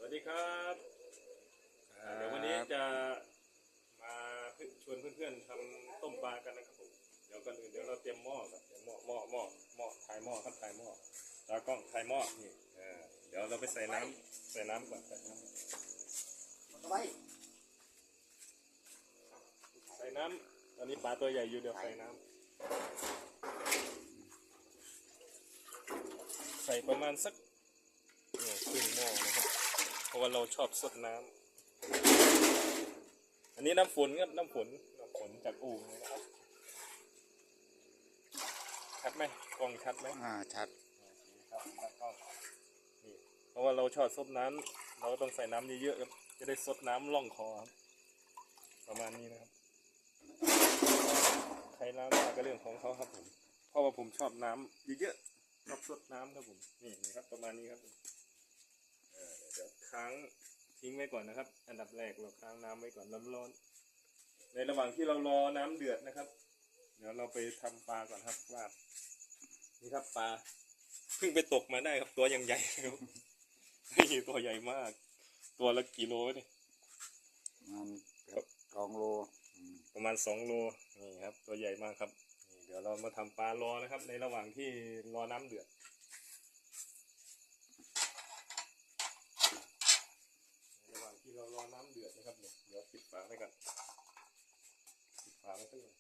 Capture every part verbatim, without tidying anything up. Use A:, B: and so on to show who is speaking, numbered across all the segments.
A: วัสดีครับเดี๋ยววันนี้จะมาชวนเพื่อนๆทำต้มปลากันนะครับผมเดี๋ยวก่อนอื่นเดี๋ยวเราเตรียมหม้อครับเตรียมหม้อหม้อหม้อหม้อถ่ายหม้อครับถ่ายหม้อตากล้องถ่ายหม้อนี่เดี๋ยวเราไปใส่น้ำใส่น้ำก่อนใส่น้ำใส่น้ำตอนนี้ปลาตัวใหญ่อยู่เดี๋ยวใส่น้ำใส่ประมาณสักครึ่งหม้อนะครับเพราะว่าเราชอบสดน้ำอันนี้น้ำฝนครับน้ำฝนน้ำฝนจากอู่นะครับชัดไหมกล้องชัดไหม
B: อ่าชัด
A: ครับชัดกล้องนี่เพราะว่าเราชอบซดน้ำเราก็ต้องใส่น้ำเยอะๆครับจะได้ซดน้ำล่องคอครับประมาณนี้นะครับใครน้ำก็เรื่องของเขาครับผมเพราะว่าผมชอบน้ำเยอะๆชอบซดน้ำครับผมนี่ครับประมาณนี้ครับเดี๋ยวค้างทิ้งไว้ก่อนนะครับอันดับแรกเราค้างน้ำไว้ก่อนร้อนๆในระหว่างที่เรารอน้ำเดือดนะครับเดี๋ยวเราไปทำปลาก่อนครับว่านี่ครับปลาเพิ่งไปตกมาได้ครับตัวยังใหญ่ครับนี่ตัวใหญ่มากตัวละกี่โลนี่
B: มันสองโล
A: ประมาณสองโลนี่ครับตัวใหญ่มากครับเดี๋ยวเรามาทำปลารอนะครับในระหว่างที่รอน้ำเดือดที่เรารอน้ำเดือดนะครับเนี่ยเดี๋ยวปิดฝาไว้ก่อนปิดฝาไว้สักหน่อย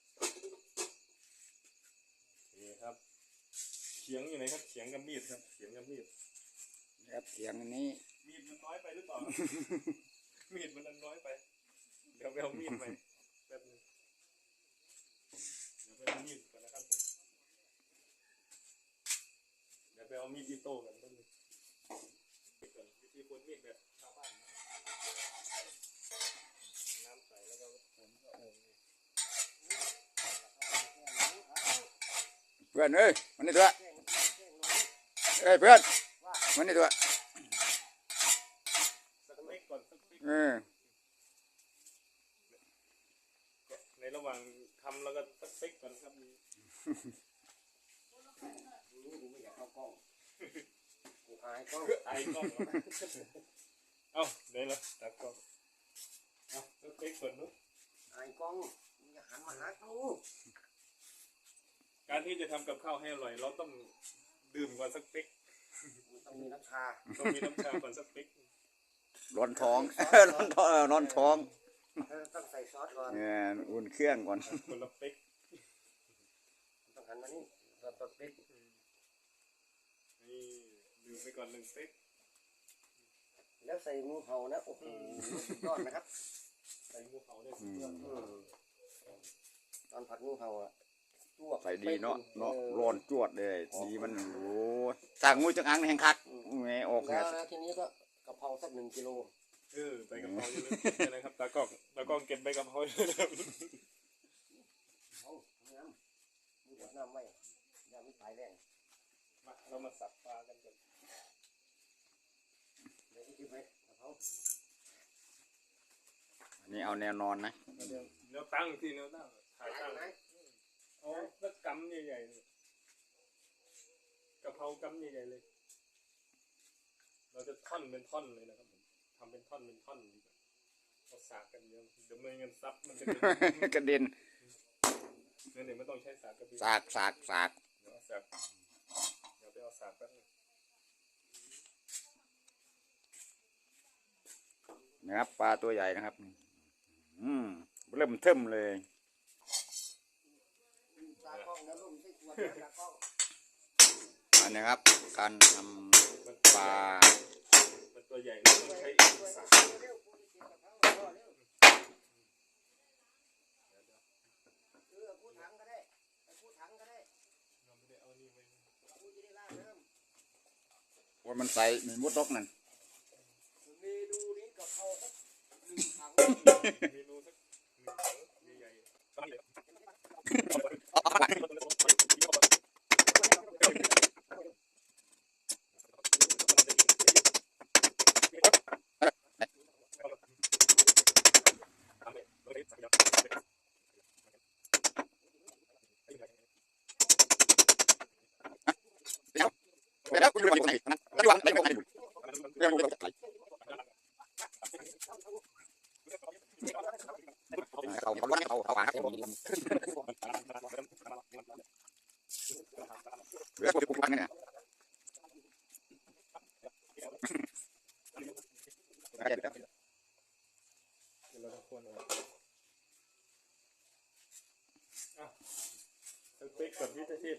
A: โอเคครับเขียงอยู่ไหนครับเขียงกับมีดครับเขียงกับมีด
B: ครับเขียงอันนี้
A: มีดมันน้อยไปหรือเปล่า มีดมันน้อยไปเดี๋ยวไปเอามีดไปแป๊บนึงเดี๋ยวไปเอามีดก่อนนะครับผมเดี๋ยวไปเอามีดอิโต้กันแป๊บนึงวิธีคนมีดแบบชาวบ้านน้ำใส่แล้วก็ผลก็เออ
B: เพื่อนเอ้ยมันนี่ตัวเอ้ยเพื่อนมันนี่ตัว
A: สักเล็กก่อนสักเล็ก
B: เออ
A: ในระหว่างทำแล้วก็สักเล็กก่อนครับนี่
C: กูไม่อยากเข้ากล้องกูอายกล้อง
A: อายกล้องเอ้าได้แล้วตัดกล้องเอ้าสักเล็กก่อนนุ๊ก
C: อายกล้องมึงอย่าหันมาหากู
A: การที่จะทำกับข้าวให้อร่อยเราต้องดื่มก่อนสักเป๊ก
C: ต้องมีน้ำชา
A: ต้องมีน้ำชาก่อนสักเป๊ก
B: ร้อนท้องร้อนท้องร้อนท้อง
C: ต้องใส่ซอสก่อน
B: เนี่ยอุ่นเครื่องก่อน
A: คนละเป๊ก
C: ต้องหันมานี่ซอสเป๊ก
A: นี่ดื่มไปก่อนหนึ่งเป๊ก
C: แล้วใส่งูเห่านะโอ้โหสุดยอดนะครับ
A: ใส่งูเห่าเนี่ยสุดยอด
C: ตอนผัดงูเห่าอ่ะ
B: ใส่ดีเนาะเนาะร้อนจวดเลยดีมันโอ้สั่งงูจังอังแห่งคักแง่ออก
C: แล้วทีนี้ก็กะเพราสักหนึ่งกิโล
A: เออใบกะเพราเยอะเลยนะครับตากล้องตากล้องเก็บใบกะเพราเยอะเลย
C: เอาน้ำมีกดน้ำไหมน้ำไม่ตายแรง
A: มาเรามาสับปลากันก่อน
C: เดี๋ยวที่ไปกะเพรา
B: อันนี้เอาแนวนอนนะ
A: เดี๋ยวเดี๋ยวตั้งที่แนวตั้งถ่ายตั้งเอาสักกำใหญ่ๆกะเพรากำใหญ่ๆเลยเราจะท่อนเป็นท่อนเลยนะครับผมทำเป็นท่อนเป็นท่อนดีกว่าเอาสากกันเยอะเดี๋ยวไม่งั้นซับมันจะ
B: กระเด็น
A: เนี่ยเดี๋ยวไม่ต้องใช้สากกระเด็น
B: สากสากสาก
A: เดี๋ยวสากเดี๋ยวไปเอาสากแป๊บนึง
B: นะครับปลาตัวใหญ่นะครับอืมเริ่มเทิมเลยอันนี้ครับการทำปลา
A: มันตัวใหญ่ต้องใช้สาก
B: ว่ามันใส่มีมุดรกนั่น
C: เมนูนี้กะเพราสักหนึ่งถัง
A: เมนูสักหนึ่งถังใหญ่ๆตั้งเลย
B: แล้วคุณดูอะไรอยู่ไหนนั่นแล้วดูอะไรอยู่ไหนเรื่องมันจะไหล
A: เดี๋ยวเราต้องคนออกอ่ะสเต็กกับวิตาชีพ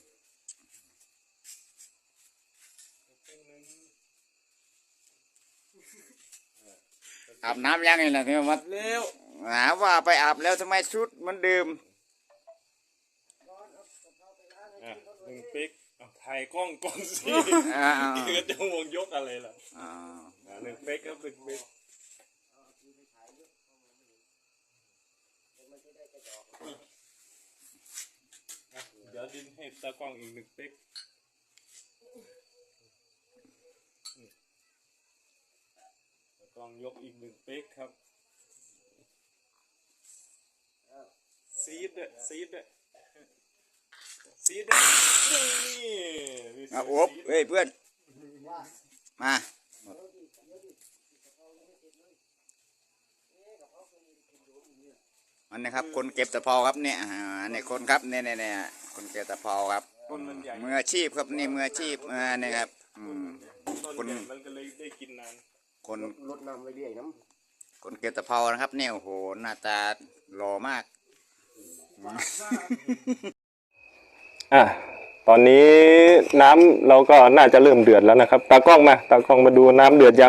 B: อาบน้ำยังไงล่ะที่มา
A: เร็ว
B: หาว่าไปอาบแล้วทำไมชุดมันดื่ม
A: อ่ะหนึ่งปิ๊กเอาถ่ายกล้องก่อนสิ
B: อ่า
A: เกิดจะวงยกอะไรล่ะ
B: อ่า
A: อ่ะหนึ่งปิ๊กครับหนึ่งปิ๊กอ่ะเดี๋ยวดินให้ตากล้องอีกหนึ่งปิ๊กตากล้องยกอีกหนึ่งปิ๊กครับซีดด้วยซีดด้วยซีดด้วยนี่มี
B: อ่ะ
A: เสียง
B: โอบ
A: ซีด
B: เฮ้ยเพื่อนมา อันนี้ครับคนเก็บตะเภาครับเนี่ยอ่าเนี่ยคนครับเนี่ยเนี่ยเนี่ยคนเก็บตะเภาครับ
A: ต้นมันใหญ่
B: มืออาชีพครับนี่มืออาชีพอ่าเนี่ยครับอืม
A: ต้น
B: คน
A: ใหญ่มันก็เลยได้กินนาน
B: คน
C: รถน้ำเรื่อยๆน้
B: คนเก็บตะเภานะครับเนี่ยโอ้โหหน้าตาหล่อมาก
A: อ่ะตอนนี้น้ำเราก็น่าจะเริ่มเดือดแล้วนะครับตากล้องมาตากล้องมาดูน้ำเดือดยัง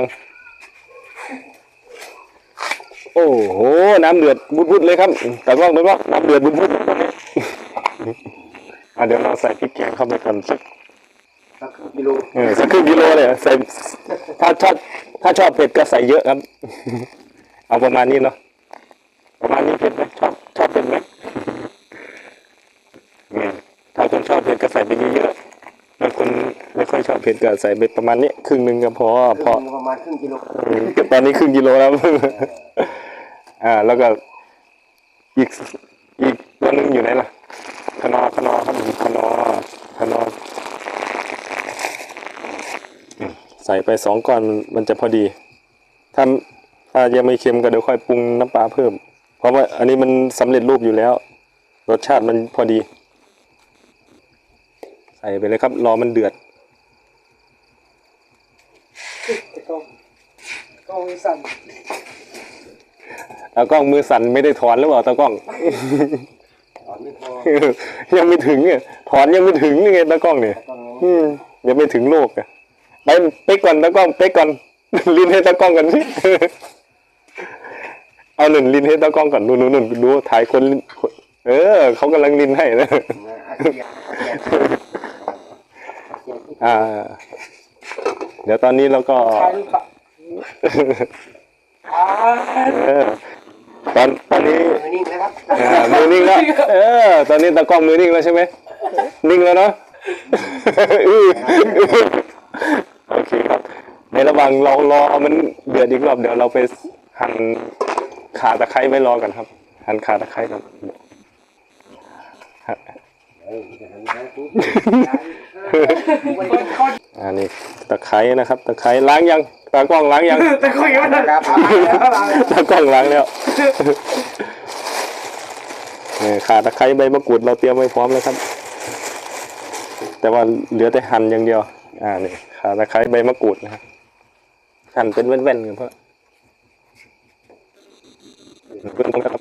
A: โอ้โหน้ำเดือดบุดๆเลยครับตากล้องดูว่าน้ำเดือดบุดๆอ่ะเดี๋ยวเราใส่พริกแกงเข้าไปกันสัก
C: ำสักกิโล
A: เออสักครึ่งกิโลเลยใส่ถ้าชอบถ้าชอบเผ็ดก็ใส่เยอะครับ เอาประมาณนี้เนาะประมาณนี้เผ็ดไหมชอบชอบเผ็ดไหมเนี่ยถ้าคนชอบเผ็ดก็ใส่ไปเยอะๆบางคนไม่ค่อยชอบเผ็ดก็ใส่ไปประมาณนี้ครึ่งหนึ่งก็พอพอ
C: ประมาณครึ่งกิโล
A: อืมตอนนี้ครึ่งกิโลแล้ว อ่า แล้วก็อีกอีกตัวหนึงอยู่ไหนล่ะขนอขนอครับขนอขนออืมใส่ไปสองก้อนมันจะพอดี ถ้าถ้ายังไม่เค็มก็เดี๋ยวค่อยปรุงน้ำปลาเพิ่ม เพราะว่าอันนี้มันสำเร็จรูปอยู่แล้ว รสชาติมันพอดี ใส่ไปเลยครับ รอมันเดือด
C: กล้องสั่น
A: ตากล้องมือสั่นไม่ได้ถอนหรือเปล่าตากล้อง
C: ตอนนี้พอ
A: ยังไม่ถึงอ่ะถอนยังไม่ถึงนี่ไงตากล้องเนี่ย
C: ต้อง
A: อืมยังไม่ถึงโลกอ่ะไปเป๊กก่อนตากล้องเป๊กก่อน ลิ้นให้ตากล้องกันสิ เอาหนึ่งลิ้นให้ตากล้องก่อนดูดูดูดูถ่ายคนลิ้นเออเขากำลังลิ้นให้นะ อ่า เดี๋ยวตอนนี้เราก็เออตอนตอนนี้
C: มือนิ่งนะครับ
A: อ่ามือนิ่งแล้วเออตอนนี้ตากล้องมือนิ่งแล้วใช่ไหมนิ่งแล้วเนาะ อื้อโอเคครับในระหว่างเรารอมันเดือดอีกรอบเดี๋ยวเราไปหั่นข่าตะไคร้ไว้รอกันครับ หั่นข่าตะไคร้กันอันนี้ตะไคร้นะครับตะไคร้ล้างยังตากล้องล้างยัง
C: ตะคุยกันนะครับ
A: ตากล้องล้างแล้วเนี่ยข่าตะไคร้ใบมะกรูดเราเตรียมไว้พร้อมแล้วครับ แต่ว่าเหลือแต่หั่นอย่างเดียว อ่านี่ข่าตะไคร้ใบมะกรูดนะครับหั่นเป็นแว่นๆกันเพราะเพื่อนครับ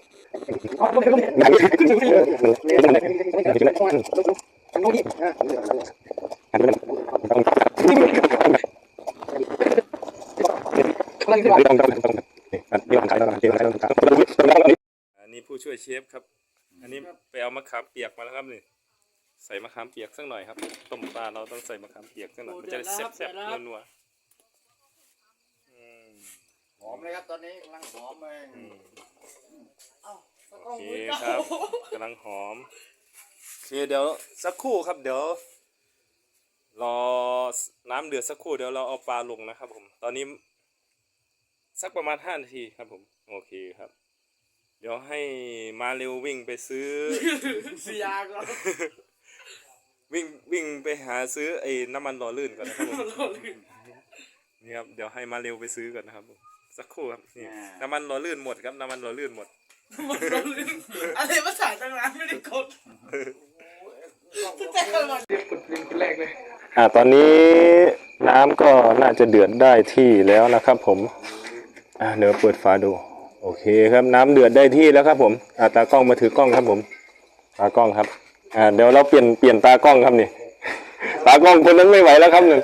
A: อันนี้ผู้ช่วยเชฟครับ อันนี้ไปเอามะขามเปียกมาแล้วครับนี่ใส่มะขามเปียกสักหน่อยครับต้มปลาเราต้องใส่มะขามเปียกสักหน่อยมันจะได้แซ่บๆนัวๆอืม
B: หอมเลยครับตอนนี้กำลังหอมเลย
A: อืมโอเคครับกำลังหอมโอเคเดี๋ยวสักครู่ครับเดี๋ยวรอน้ำเดือดสักครู่เดี๋ยวเราเอาปลาลงนะครับผมตอนนี้สักประมาณห้านาทีครับผมโอเคครับ เดี๋ยวให้มาเร็ววิ่งไปซื้อ
D: เสียก็
A: วิ่งวิ่งไปหาซื้อไอ้น้ำมันหล่อลื่นก่อนนะครับผมนี่ครับเดี๋ยวให้มาเร็วไปซื้อก่อนนะครับผมสักครู่ครับนี่น้ำมันหล่อลื่นหมดครับน้ำมันหล่อลื่นหมด
D: อะไรภาษาตั้งร้านไม่ได้กดแต่ละวัน
A: อ่าตอนนี้น้น้ำก็น่าจะเดือดได้ที่แล้วนะครับผมอ่ะเดี๋ยวเปิดฝาดูโอเคครับน้ำเดือดได้ที่แล้วครับผมอ่ะตากล้องมาถือกล้องครับผมตากล้องครับอ่าเดี๋ยวเราเปลี่ยนเปลี่ยนตากล้องครับนี่ ตากล้องคนนั้นไม่ไหวแล้วครับหนึ่ง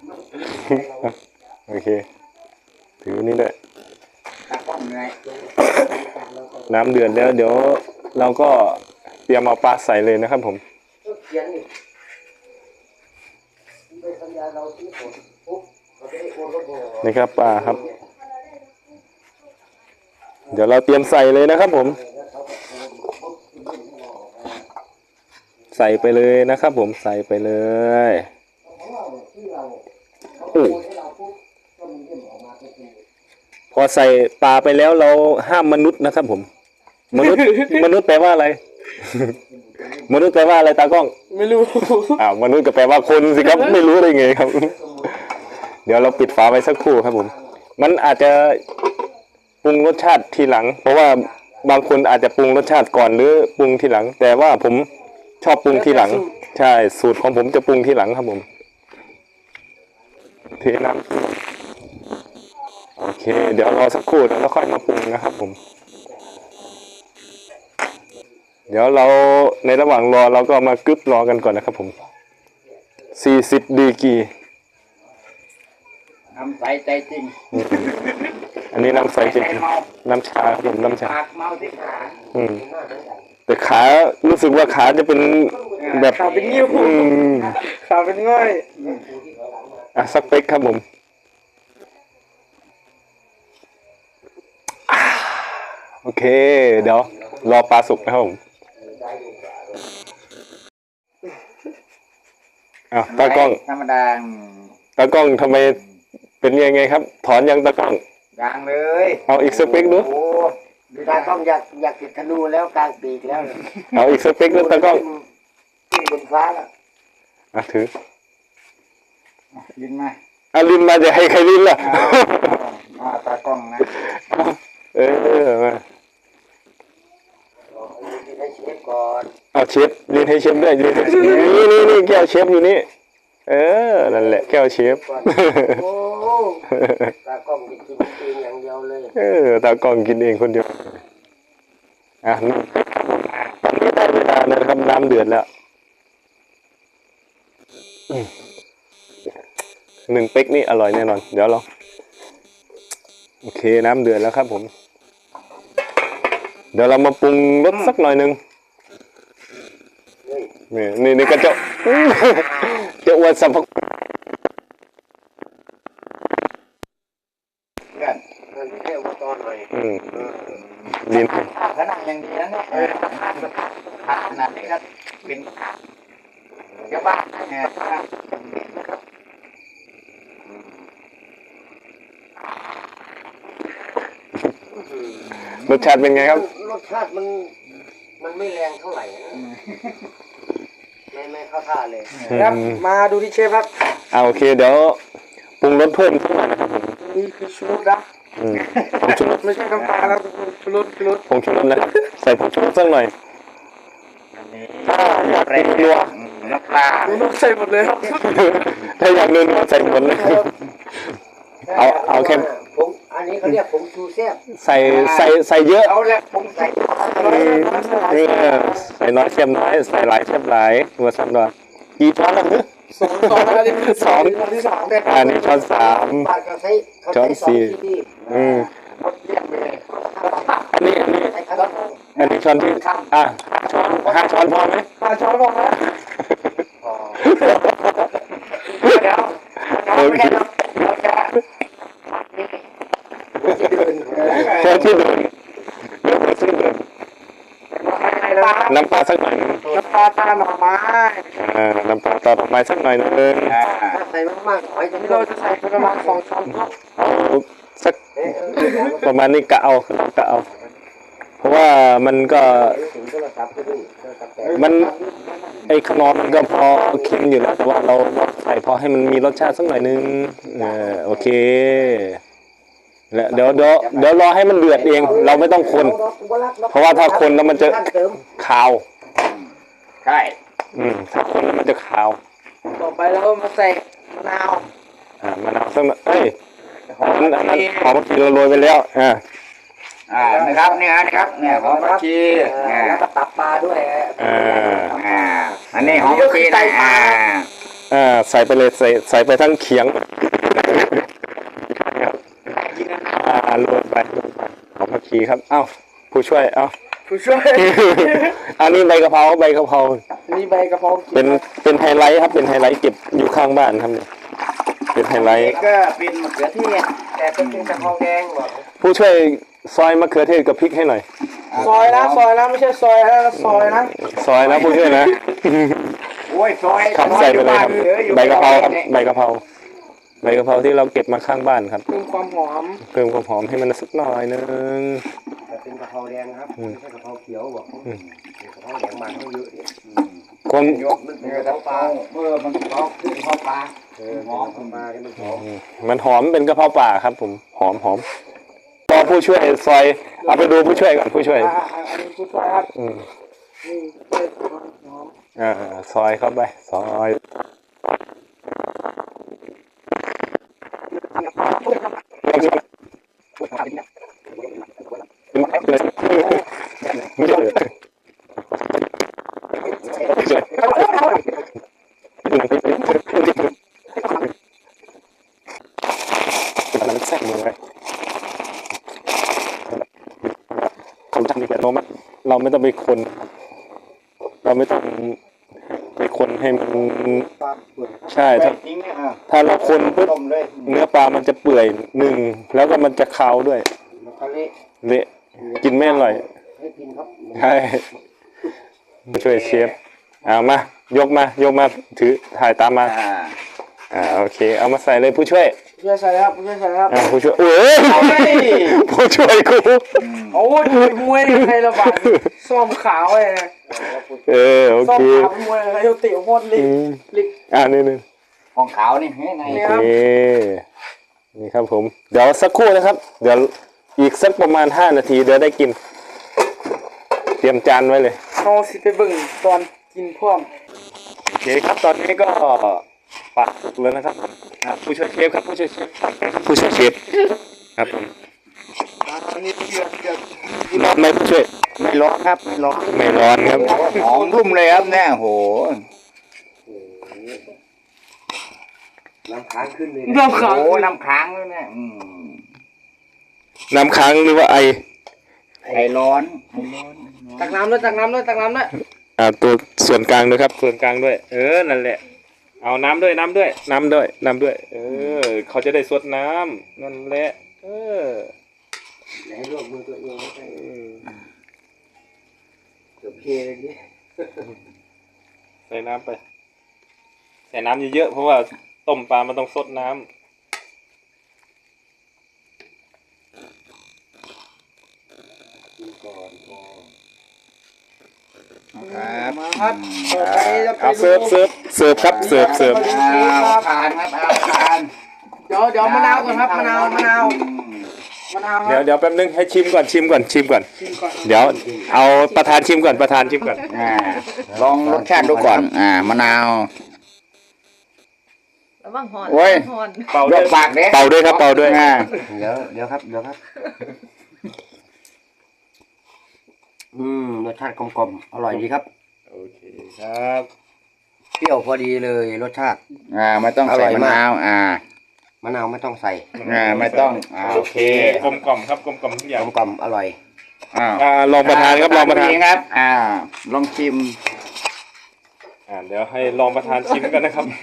A: โอเคถือนี่ด้วย
B: ตากล้องไง
A: น้ำเดือดแล้วเดี๋ยวเราก็เตรียมเอาปลาใส่เลยนะครับผม
C: เขียนนี่ไปสัญญาเราที่ผลปุ๊บเราจะได้โอนก็พอ
A: นี่ครับปลาครับ เดี๋ยวเราเตรียมใส่เลยนะครับผม ใส่ไปเลยนะครับผมใส่ไปเลยโอ้พอใส่ปลาไปแล้วเราห้ามมนุษย์นะครับผม มนุษย์ มนุษย์แปลว่าอะไร มนุษย์แปลว่าอะไรตากล้อง
D: ไม่รู้
A: อ้าวมนุษย์ก็แปลว่าคนสิครับ ไม่รู้ได้ไงครับ เดี๋ยวเราปิดฝาไว้สักครู่ครับผม มันอาจจะปรุงรสชาติทีหลัง เพราะว่าบางคนอาจจะปรุงรสชาติก่อนหรือปรุงทีหลัง แต่ว่าผมชอบปรุงทีหลัง ใช่สูตรของผมจะปรุงทีหลังครับผมเทน้ำโอเค เดี๋ยวรอสักครู่แล้วค่อยมาปรุงนะครับผม เดี๋ยวเราในระหว่างรอเราก็มากึบรอกันก่อนนะครับผมสี่สิบดีกรี
B: น้ำใสใจจริง
A: อันนี้น้ำใสจริงน้ำชาครับผมน้ำชา
B: ปากเมาที่ขา
A: อืมแต่ขารู้สึกว่าขาจะเป็นแบบ
D: ขาเป็นนิ้ว
A: อืม
D: ขาเป็นง่อย
A: อ่ะสักเป๊กครับผมอ่าโอเค เดี๋ยวรอปลาสุกนะครับผมอ้าวตากล้อง
B: ธรรมดา
A: ตากล้องทำไมเป็นยังไงครับ ถอนยังตากล้อง
B: กลางเลย
A: เอาอีกสเปกดู
B: โอ้
C: ตาต้องอยากอยากติดธนูแล้วกลางปีกแล้ว
A: เอาอีกสเปกดูตากล้อง
C: ขึ้นบนฟ้าแล้ว
A: อ่ะถือ
B: ยินมา
A: อาลินมาจะให้ใครลินล่ะ
B: อ่าตากล้องนะ
A: เออมา
C: ให้เชฟก่อน
A: เอาเชฟลินให้เชฟด้วยลินให้นี่นี่นี่แก้วเชฟอยู่นี่เออนั่นแหละแก้วเชฟ
C: ก่อนโอ้ตากล้องจะกินเองอย่างเดียวเลย
A: เออตากล้องกินเองคนเดียวอ่ะตอนนี้ได้เวลาแล้วนะครับน้ำเดือดแล้วอืมหนึ่งเป๊กนี่อร่อยแน่นอนเดี๋ยวเราโอเคน้ำเดือดแล้วครับผมเดี๋ยวเรามาปรุงรสสักหน่อยหนึ่งนี่นี่นี่ก็จะ จะอวดสรรพคุณ
B: เพื่อน
C: นั่นแค่อุปกรณ์หน่อย
A: อืมลิ้น
B: ขนาดอย่างดีนะเนี่ยเออขนาดนี้ก็เป็นเจ้าบ้านเนี่ย
A: รสชาติเป็นไงครับ
C: รสชาติมันมันไม่แรงเท่าไหร่นะไม่ไม่เข้าท่าเลย
D: ครับมาดูที่เชฟครับ
A: อ่าโอเคเดี๋ยวปรุงรสเพิ่มสักหน่อยนะครับผม
D: นี่คือชูรสนะ
A: อืมผงชูรส
D: ไม่ใช่น้ำปลาครับชูรสชูรส
A: ผงชูรสนะครับใส่ผงชูรสสักหน่อย
B: ถ้าอยากเร็วน้ำปลา
D: ชูรสใส่หมดเลยครับ
A: ถ้าอยากเนื้อใส่หมดเลยเอาเอาแค่
C: ผมอันนี้เขาเรียกผมชูแซ่บ
A: ใส่ใส่ใส่เยอะ
B: เอาละผมใส่
A: เออใส่น้อยเค็มน้อยใส่หลายเค็มหลายหัวสับหน่อยกี่ช้อนแล้วเนี่ย
D: สองสองอันนี้คือ
A: สอง
D: อันที่สาม
A: อันนี้ช้อนสาม
C: บ้านเขาใช้เขา
A: ช้
C: ใช้
A: อน
C: สอง
A: สี่
C: ที่
A: อืม
B: เยี่ยมเลย
A: อันนี้อันนี้
C: ใช้ครับ
A: อันนี้ช้อนที่อ่ะช้อนห้าช้อนพอไหม
D: ปลาช้อนบอกนะ
B: เดี๋ยว
A: โอเค
B: เราจะ
A: แค่ที่เดินเดี๋ยวผมซื้อเดินน้ำปลาสักหน่อยหนึ่ง
D: น้ำปลาตาหน่อไม้
A: อ่าน้ำปลาตาดอกไม้สักหน่อยหนึง
B: อ่า
C: ถ้าใส่มากๆหอยจะ
D: ที่
C: ไม่
D: เรา
C: เรา
D: จะใส่ประมาณสองช้อนครับ
A: เอาสัก
C: เอ๊ะ
A: ประมาณนี้กะเอากะเอา เพราะว่ามันก็
C: ถึงโทรศัพท์ก็ดูโทรศัพท์แต่
A: มันไอ้ขนมมันก็พอเค็มอยู่แล้วแต่ว่าเราใส่พอให้มันมีรสชาติสักหน่อยนึงเออโอเคแล้วเดี๋ยวเดี๋ยวเดี๋ยวรอให้มันเดือดเอง เราไม่ต้องคน เพราะว่าถ้าคนแล้วมันจะ
C: เติม
A: คาว
B: ใช่
A: อืมถ้าคนแล้วมันจะคาว
D: ต่อไปเราก็มาใส่มะนาว
A: อ่ามะนาวสักหน่อยเอ้ยหอมอันนั้นหอมที่เราโรยไปแล้วอ่า
B: อ่านะครับเนี่ยนะครับเนี่ยหอมผักชี
C: อ่า
B: อ่า
C: แล้วก็ตับปลาด้วย
A: อ่า
B: อ่าอันนี้หอมผักชีนะอ่า
A: อ่าใส่ไปเลยใส่ใส่ไปทั้งเขียงอ่าโรยไปโรยไปหอมผักชีครับเอ้าผู้ช่วยเอ้า
D: ผู้ช่วย
A: อันนี้ใบกะเพราใบกะเพรา
D: นี่ใบกระเพรา
A: เป็นเป็นไฮไลท์ครับเป็นไฮไลท์เก็บอยู่ข้างบ้านครับเนี่ยเป็นไฮไลท์
B: นี่ก็เป็นมะเขือเทศ
C: แต่เป็นเป็นกะเพราแดงบอก
A: ผู้ช่วยซอยมะเขือเทศกับพริกให้หน่อย
D: ซอยนะซอยนะไม่ใช่ซอยนะซอยนะ
A: ซอยนะผู้ช่วยนะ
B: โอ้ยซอย
A: ครับใส่ไปเลยครับ
B: หออยู่
A: ใบกะเพราครับ
B: นี่ย
A: ใบกะเพราใบกะเพราที่เราเก็บมาข้างบ้านครับ
D: เพิ่มความหอม
A: เพิ่มความหอมให้มันสักหน่อยนึง
C: แต่เป็นกะเพราแดงครับไม่ใช่กะเพราเขียวบอก
A: อืม
C: กะเพราแดงมันเขาเยอะเนี่ย
A: คน
B: ยกนึกเนื้อกระเพราเมื่อมันกระเพราขึ้นกระเพราปลา
C: เออหอมเข้ามาเนี่ยมันหอม
A: อืมมันหอมเป็นกะเพราป่าครับผมหอมหอมรอผู้ช่วยซอยเอาไปดูผู้ช่วยก่อนผู้ช่วย
D: อ่าอ่าอันนี้ผู้ช่วยครับ
A: อืม
D: นี่ช่วยหอม
A: อ่าซอยเข้าไปซอยแทรกมือไว้คนทำดีกว่าเราไม่เราไม่ต้องไปคน เราไม่ต้องไปคนให้มัน
C: ปลาเปลือก
A: ใช่ถ้า
B: จริงเนี่ยอ่ะ
A: ถ้าเราคนปุ๊บ
B: ต้มเลย
A: เนื้อปลามันจะเปื่อยหนึ่งแล้วก็มันจะคาวด้วย
C: แล้วก็เละ
A: เละกินไม่อร่อย
C: ให้กินครับ
A: ใช่มาช่วยเชฟเอามายกมายกมาถือถ่ายตามมา
B: อ่า
A: อ่าโอเคเอามาใส่เลยผู้ช่วย
D: ผู้ช่วยใส่ครับผู้ช่วยใส่ครับ
A: อ่าผู้ช่วยโอ้ยผู้ช่วยกู
D: โอ้ยมวยใครระบาดส้มขาวเลยนะ
A: เออโอ
D: ส้ม
A: เค
D: ขาวเป็นมวยอะไรเขาติโคตรลิ
A: อื
D: ก
A: ม
D: ลิก
A: อ่านี่นี่
B: ของขาวนี่เฮ้ยใน
D: นี่
A: โอ
D: ครับ
A: เคนี่ครับผม เดี๋ยวสักครู่นะครับ เดี๋ยวอีกสักประมาณห้านาทีเดี๋ยวได้กิน เตรียมจานไว้เลย
D: เขาสิไปเบิ่งตอนกินพร้อม
A: โอเคครับตอนนี้ก็ปักแล้วนะครับอ่าผู้ช่วยเชฟครับผู้ช่วยเชฟผู้ช่วยเชฟครับผม
D: อันนี้เดือดเดือด
A: ร้อนไหมผู้ช่วย
B: ไม่ร้อนครับไม่ร้อน
A: ไม่ร้อนครับ
B: หอมรุ่มเลยครับเนี่ยโห
C: น้ำค้างขึ้นเลย
D: น้ำขาว
B: โอ้น้ำค้างเลยเนี่ยอืม
A: น้ำค้างหรือว่าไอ
B: ไอร้อนไอร้อน
D: ตักน้ำด้วยตักน้ำด้วยตักน้ำด้วย
A: อ่าตัวส่วนกลางด้วยครับ ส่วนกลางด้วย เออนั่นแหละ เอาน้ำด้วยน้ำด้วย น้ำด้วยน้ำด้วย เออ เขาจะได้สดน้ำนั่นแหละ เออ
C: อย่าให้ลวกมือตัวเองไม่ใช่เกือบเพลเลยนี่
A: ใส่น้ำไป ใส่น้ำเยอะๆเพราะว่าต้มปลามันต้องสดน้ำ
C: กินก่อนพอ
B: ครับ
D: มาครับต่อไปจะไป
A: เอา
D: ดู
A: เสิร์ฟเสิร์ฟเสิร์ฟครับเสิร์ฟเสิร์ฟ
B: เอาทานครับเอาทาน
D: เดี๋ยวเดี๋ยวมะนาวก่อนครับมะนาวมะนาว
B: อืม
D: มะนาวค
A: เดี๋ย
D: รั
A: ว
D: บ
A: เดี๋ยวแป๊บนึงให้ชิมก่อนชิมก่อนชิมก่อน
D: ชิมก่อน
A: เดี๋ยวเอาประธานชิมก่อนประธานชิมก่อน
B: อ่าลองรสชาติดูก่อน อ่ามะนาว
E: ระวังหอน
B: โอ้ย
E: หอน
A: เป่าย ด้วย
B: กปากเด้
A: เป่าด้วยครับเป่าด้วย
B: อ่า
C: เดี๋ยวเดี๋ยวครับเดี๋ยวครับ อืมรสชาติกลมๆอร่อยดีครับ
A: โอเคครับ
C: เปรี้ยวพอดีเลยรสชาติ
B: อ่าไม่ต้อง
C: อร่
B: ใส่
C: อย
B: มะ
C: มาก
B: นาว อ่า
C: มะนาวไม่ต้องใส่
B: อ่าไม่ต้องอ่าโอเค
A: กลมกล่อมครับกลมกล่อมทุกอย่าง
C: กลมๆอร่อย
B: อ้าว
A: อ่าลองประธานครับลองประธาน
B: เครับ อ่า ลองชิม
A: อ่าเดี๋ยวให้ลองประธานชิมกันนะครับ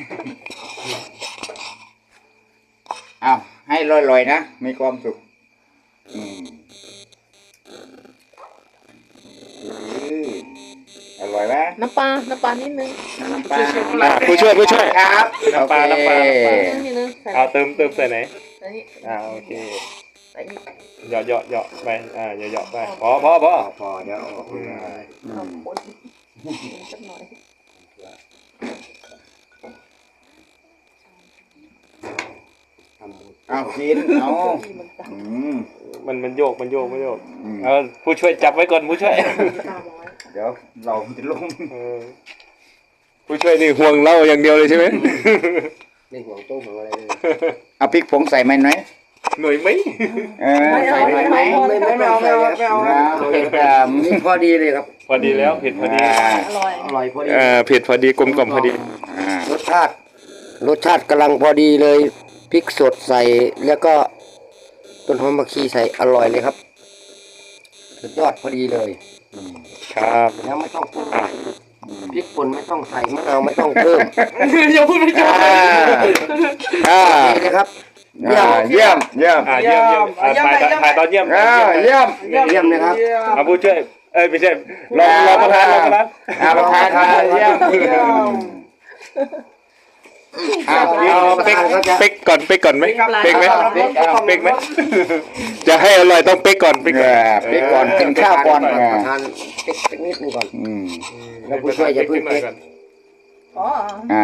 B: อ้าวให้ลอยๆนะ มีความสุขอืมอืออร่อยไหม
E: น้ำปลา น้ำปลานิดนึง
B: น้ำปลา
A: อ่ะผู้ช่วยผู้ช่วย
B: ครับ
A: น้ำปลา
B: โอเค
A: น้ำปลาน้ำปลา
E: นิดนึงใส่
A: เอาเติมเติมใส่ไหน
E: ใส่นี่
A: อ่าโอเค
E: ใส่นี่
A: เหยาะเหยาะเหยาะไปอ่าเหยาะเหยาะไปพอพอพอ
C: พอเดี๋ยวเอาออกมา
E: เอาคนสักหน่อย
C: ทำหมด
B: เอากินเอา
E: ที่มันตาม
B: อืม
A: มันมันโยกมันโยกมันโยก
B: อืม
A: เอาผู้ช่วยจับไว้ก่อนผู้ช่วย
E: ตามเอาไว้
B: เดี๋ยวเราจะลง
A: เออผู้ช่วยนี่ห่วงเราอย่างเดียวเลยใช่ไหม
C: ไม่ห่วงโต๊ะห่วงอะไรเลย
B: เอาพริกผงใส่ไหมหน่อย
A: หน่อยไหม
B: เออใส่หน่อยไหม
C: ไม่ไม่ไม่เอาไม่เอาไม่เอา
B: เอาเผ็ดอ่ะ
C: นี่พอดีเลยครับ
A: พอดีแล้วเผ็ดพอดี
B: อ่า
E: อร่อย
C: อร่อยพอดี
A: เออเผ็ดพอดีกลมกล่อมพอดี
B: อ่าร
C: สชาติรสชาติกำลังพอดีเลยพริกสดใส่แล้วก็ต้นหอมผักชีใส่อร่อยเลยครับสุดยอดพอดีเลย
A: ครับ
C: แล้วไม่ต้องปรุงพริกป่นไม่ต้องใส่มะนาวไม่ต้องเพิ่ม
D: อย่าพูดไม่จบ
B: อ่าอ่า
C: นี่นะครับ
B: อ่าเยี่ยมเยี่ยม
A: อ่าเยี่ยมเยี่ยมอ่าถ่ายถ่ายตอนเยี่ยม
B: อ่าเยี่ยม
C: เยี่ยมนะครับ
A: เอาผู้ช่วยเอ้ยไม่ใช่รองรองประธานรองประธาน
B: อ่าประธานค่ะเยี่ยมอ่า
A: เอาเป๊กเป๊กก่อนเป๊กก่อนไหมเป๊กไหม
B: เป๊กเอา
A: เป๊กไหมจะให้อร่อยต้องเป๊กก่อนเป๊ก
B: เอ
A: ก่อน
B: อเป๊กก่อนกินข้าวก่อน
C: ป
B: เอ
C: ระ
B: อ
C: ทานเป๊กสักนิดหนึงก่อน
B: อืม
C: แล้วผู้ช่วยจะเพิ่ง
A: หน่อ
C: เป๊
A: ย
C: ก
A: ก่อน
E: อ๋อ
B: อ่า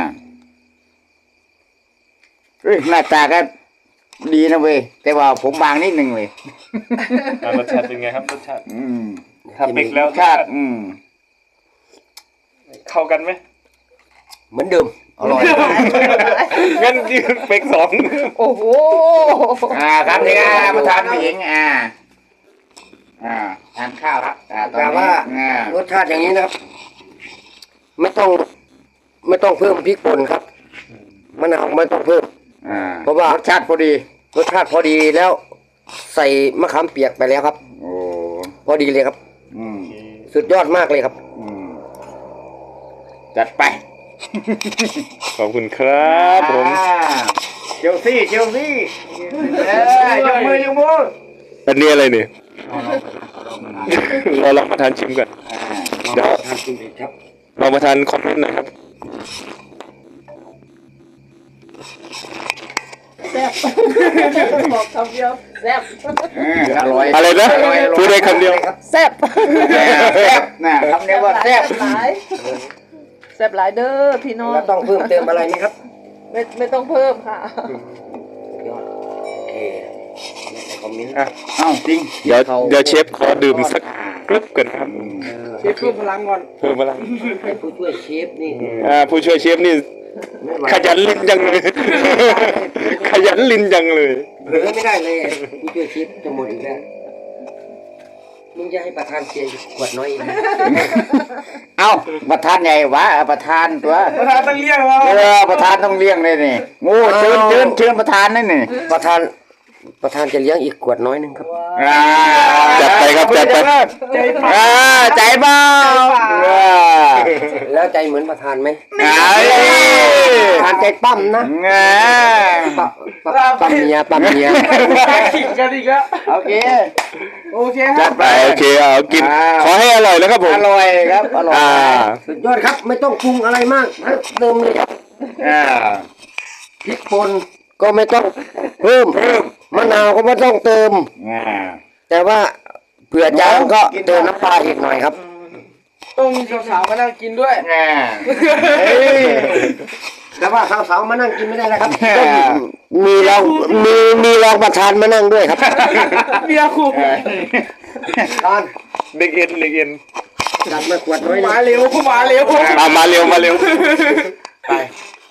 B: เฮ้ยหน้าตาก็ดีนะเว้ยแต่ว่าผมบางนิดนึงเว้ย
A: อ่ารสชาติเป็นไงครับรสชาติ
B: อืม
A: ถ้าเป๊กแล้ว
B: ชาติอืม
A: เข้ากันไหม
C: เหมือนเดิมอร่อย
A: งั้นยืนเป๊กสอง
E: โอ้โห
B: อ่าครับนี่อ่าประธานผู้หญิงอ่าอ่าทานข้าวครับอ่าตอน
C: แต่
B: นี้
C: ว่า
B: อ่าร
C: สชาติอย่างนี้นะครับ ไม่ต้อง ไม่ต้องเพิ่มพริกป่นครับมะนาวไม่ต้องเพิ่ม
B: อ่า
C: เพราะว่าร
B: สชาติพอดี
C: รสชาติพอดีแล้ว ใส่มะขามเปียกไปแล้วครับ
B: โอ้
C: พอดีเลยครับ
B: อืม
C: สุดยอดมากเลยครับ
B: อืมจัดไป
A: ขอบคุณครับผม
B: อ่าเชลซีเชลซีเอ้ยยกมือยกมือ
A: อันนี้อะไรเนี่ยรอรับประทานชิมก่อน
B: อ่า
A: เดี๋ยว
C: ทานกินเผ็ดครับ
A: รอประทานคอมเมนต์หนะครับ
E: แซ่บบอกคำเดียวแซ่บ
B: เอออร่อย
A: อะไรนะพูดได้คำเดียว
E: แซ่บ
B: แซ่บนะคำเดียวว่าแซ่บ
E: หลายแซ่บหลายเด้อพี่น้อง
C: แล้วต้องเพิ่มเติมอะไรไหมครับ
E: ไม่ไม่ต้องเพิ่มค่ะ
C: สุดยอดโอเคในคอมเมนต์
A: อ่ะ
B: เอ้าจริง
A: เดี๋ยวเดี๋ยวเชฟขอดื่มสักกรึ๊บก่อนครับ
C: เชฟเพิ่มพลังก่อน
A: เพิ่มพลัง
C: ให้ผู้ช่วยเชฟนี่
A: อ่าผู้ช่วยเชฟนี่
C: ไม่ไหว
A: ขยันลิ้นจังเลย ขยันลิ้นจังเลย
C: เผลอไม่ได้เลยผู้ช่วยเชฟจะหมดอีกแล้วมึงจะให้ประธานเชียร์ขวดน้อยอีกนะ
B: เอ้าประธานใหญ่วะประธานตัว
D: ประธานต้องเรียกว่า
B: เออประธานต้องเลี้ยงเลยนี่โอ้เชิญเชิญเชิญประธานนั่นนี่
C: ประธานประธานจะเลี้ยงอีกขวดน้อยหนึงครับ
B: อ่า
A: จัดไปครับจัดไป
D: ใจปา
B: อ่าใจเบาอ่า
C: แล้วใจเหมือนประธานไหม
B: ไอ้
C: ประธานใจปั้มนะ
B: อ่า
C: ปั้มปั้มปั้มเมียปั้มเมีย
D: ขิงกันอีกแล้ว
B: โอเค
D: โอเคค
B: จั
D: รั
B: ด
D: บ
B: ไป
A: โอเคเอากิน
B: อ่า
A: ขอให้อร่อยแล้วครับผม
B: อร่อยครับอร่อย
A: อ่า
C: สุดยอดครับไม่ต้องปรุงอะไรมากเติมเลยครับ
B: อ่า
C: พริกป่นก็ไม่ต้องเพิ่มมะนาวก็ไม่ต้องเติม
B: อ่า
C: แต่ว่าเผื่อจางก็เติมน้ำปลาอีกหน่อยครับ
D: ต้องมีสาวๆมานั่งกินด้วย
B: อ่าเฮ้ย
C: แต่ว่าสาวๆมานั่งกินไม่ได้แล้วครับ
B: อ่า
C: ต้องมีรองมีมีรองประธานมานั่งด้วยครับ
D: เบียร์คู่
C: ตอน
A: เด็กเอ็นเด็กเอ็น
C: จัดมาขวดน้อยห
D: มา
C: นะ
D: เร็วมาเร็ว
A: อ่ามาเร็วมาเร็ว
C: ไป